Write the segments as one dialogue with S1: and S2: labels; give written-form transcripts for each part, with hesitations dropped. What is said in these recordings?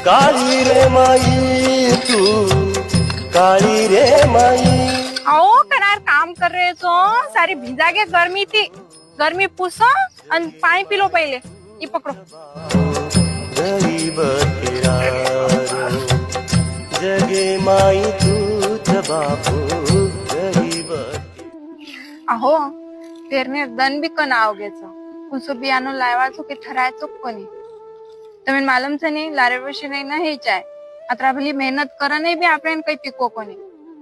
S1: काळी रे माई तू काळी रे माई।
S2: आओ करार काम कर रहे तो सारी भिजा के गर्मी थी, गर्मी पूछो और पानी पी लो पहले। ये पकड़ो।
S1: गरीब तेरा रो जगे माई तूच बापू गरीब।
S2: अहो पेरने दन भी कन आओगे तो कुछ बियानो लायवा तो के ठराय तो कोनी तमें मालूम छे नहीं लारे वर्षे नहीं ना हे चाय अतरा भली मेहनत करा नहीं भी आपने कई पीको कोनी।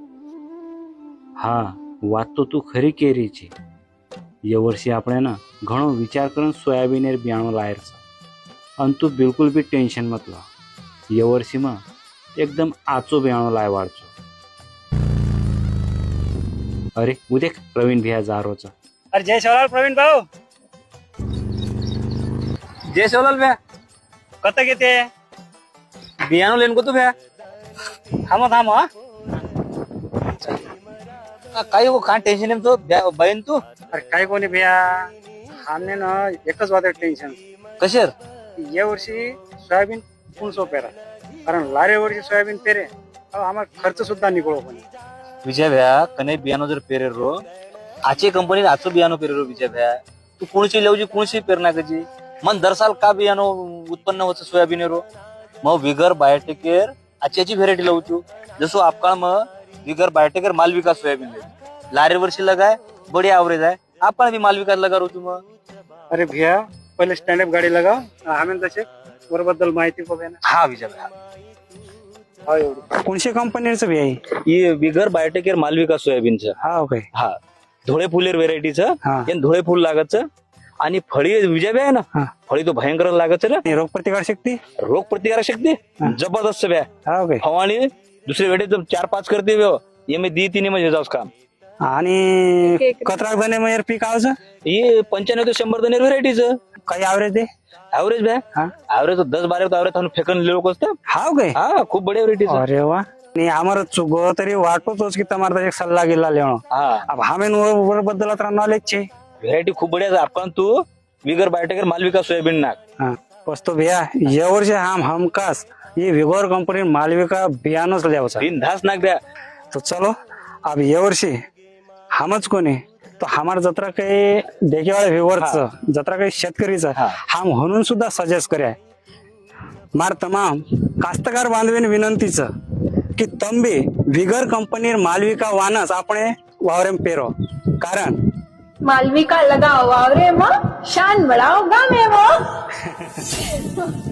S3: હા વાત તો તું ખરી કેરી છે। એ વર્ષે આપણે ના ઘણો વિચાર કરીને સોયાબીન એર બિયાણો લાયર છે અને તું બિલકુલ બી ટેન્શન મત લો। એ વર્ષીમાં એકદમ આચો બિયાણો લાયવાડ છો। અરે હું દેખ પ્રવીણ ભૈયા જારો છે।
S4: अरे जय शिवलाल प्रवीण भाऊ
S5: जय शिवलाल भ्या
S4: कत घेते
S5: बियाणो लेन को तू भ्या
S4: थांबा थांबा
S5: काय हो का टेन्शन आहे तो बहीण तू
S4: अरे काय कोणी भैया हमने ना एकच वाटत टेन्शन
S5: कशेर
S4: या वर्षी सोयाबीन पुणसो पेरा कारण लारे वर्षी सोयाबीन पेरे आम्हाला खर्च सुद्धा निघलो पण
S5: विजय भ्या कने बियाणो जर पेरे रो आचे कंपनी आचो बियाणो पेरे रो विजय भ्या तू कोणची लेवजी कोणची पेरणा कची मन दर साल का बियाणो उत्पन्न होतं सोयाबीन रो मग विगर बायोटेकेर आच्याची व्हेरायटी लावचू जसो आपकाळ मग विगर बायोटेकेर मालविका सोयाबीन लारे वर्षी लगाय बड़ी एवरेज है आपण भी मालविका लगा रो मग
S4: अरे भैया पहिले स्टँडअप गाडी लगाव आम्ही तसे बद्दल माहिती बघा ना।
S5: हा विजय भ्या
S4: हा एवढं
S6: कोणत्या कंपनीचं बी आहे?
S5: ये विगर बायोटेकेर मालविका सोयाबीनचं
S6: हा ओके
S5: हा धोळे फुलेर व्हेरायटीचं
S6: हा
S5: यान धोळे फुल लागतचं आणि फळी विजय भ्या आहे ना
S6: हा
S5: फळी तो भयंकर लागत ना
S6: आणि रोग प्रतिकार शक्ती
S5: रोग प्रतिकारक शक्ती जबरदस्त भ्या
S6: हा ओके
S5: फवाणी दुसरी वेळी 4-5 करते ये मी दी तिने म्हणजे जाऊस काम
S6: आणि कतराक धने मग पीक आवचं
S5: ये 95 ते 100 दनेर व्हेरायटीचं
S6: काही आवरेज दे
S5: ऍव्हरेज भ्या
S6: हा
S5: ऍव्हरेज 10-12 ऍव्हरेज फेकन लोक असतं
S6: हा ओके
S5: हा खूप बढिया व्हेरायटीचं
S6: अरे वा नहीं हमारा चुगो तरी वाटोच की तुम्हारा एक सल्ला गिल्ला लेनो
S5: हा
S6: अब हमें वर बद्दल अतरा नॉलेज छे
S5: व्हेरायटी खूप बढिया आपण तू विगर बायोटेकर मालविका सोयाबीन नाक
S6: हाँ बस तो भैया ये वर्ष हमखास ये विगोर कंपनी मालविका बियाणोच लेवचा
S5: बिनधास नाक द्या
S6: तो चलो अब ये वर्षी हमच कोणी तो हमार जत्रा काही देखेवाळे व्ह्युअरचं जत्रा काही शेतकरीचं हम म्हणून सुद्धा सजेस्ट कराय मार तमाम कास्तकार बांधवीन विनंतीचं की तंबी विगर कंपनी मालविका वानस આપણે वावरेम पेरो कारण
S2: मालविका लगाओ वावरे में शान बढ़ाओ गामे वो।